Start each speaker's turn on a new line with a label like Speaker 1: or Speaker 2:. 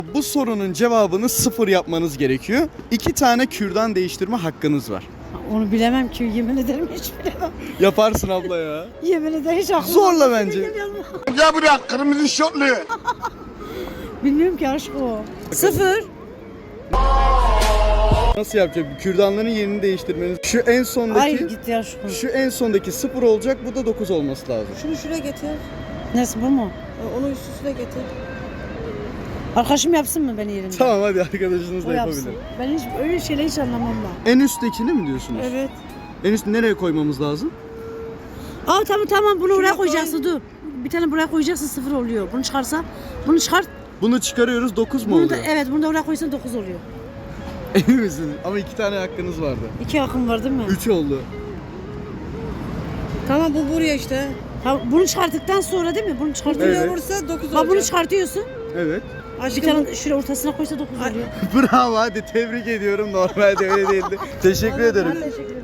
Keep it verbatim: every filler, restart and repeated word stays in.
Speaker 1: Bu sorunun cevabını sıfır yapmanız gerekiyor. İki tane kürdan değiştirme hakkınız var.
Speaker 2: Onu bilemem ki, yemin ederim hiç bilemem.
Speaker 1: Yaparsın abla ya.
Speaker 2: Yemin ederim hiç aklıma
Speaker 1: Zorla
Speaker 2: gelmedi.
Speaker 1: bence.
Speaker 3: Gel buraya kırmızı şortlu.
Speaker 2: Bilmiyorum ki aşk o. Sıfır.
Speaker 1: Nasıl yapacak? Kürdanların yerini değiştirmeniz. Şu en sondaki
Speaker 2: Hayır git ya şu.
Speaker 1: şu en sondaki sıfır olacak. Bu da dokuz olması lazım.
Speaker 4: Şunu şuraya getir.
Speaker 2: Nasıl, bu mu?
Speaker 4: Onu üst üstüne getir.
Speaker 2: Arkadaşım yapsın mı beni yerinde?
Speaker 1: Tamam hadi arkadaşınız
Speaker 2: O
Speaker 1: da
Speaker 2: yapsın.
Speaker 1: yapabilir.
Speaker 2: Ben hiç öyle şeyler hiç anlamam ben.
Speaker 1: En üsttekini mi diyorsunuz?
Speaker 4: Evet.
Speaker 1: En üst nereye koymamız lazım?
Speaker 2: Aa tamam tamam, bunu oraya
Speaker 4: Şuraya koy.
Speaker 2: koyacaksın, dur. Bir tane buraya koyacaksın, sıfır oluyor. Bunu çıkarsa, bunu çıkart.
Speaker 1: Bunu çıkarıyoruz, dokuz mu
Speaker 2: Bunu da,
Speaker 1: oluyor?
Speaker 2: evet, bunu da oraya koysan dokuz oluyor.
Speaker 1: Emin misiniz? Ama iki tane hakkınız vardı.
Speaker 2: İki hakkım var değil mi?
Speaker 1: Üç oldu.
Speaker 4: Tamam bu buraya işte.
Speaker 2: Ha, bunu çıkarttıktan sonra değil mi? Bunu çıkartıyorsun.
Speaker 1: Evet.
Speaker 4: Buraya vursa dokuz
Speaker 2: Ha, bunu
Speaker 4: olacak.
Speaker 2: çıkartıyorsun.
Speaker 1: Evet.
Speaker 2: Bir
Speaker 4: Aşkım
Speaker 2: tane şuraya ortasına koysa dokuz oluyor.
Speaker 1: Bravo, hadi tebrik ediyorum. Normalde öyle değildi. Teşekkür ederim.
Speaker 2: Ben teşekkür ederim.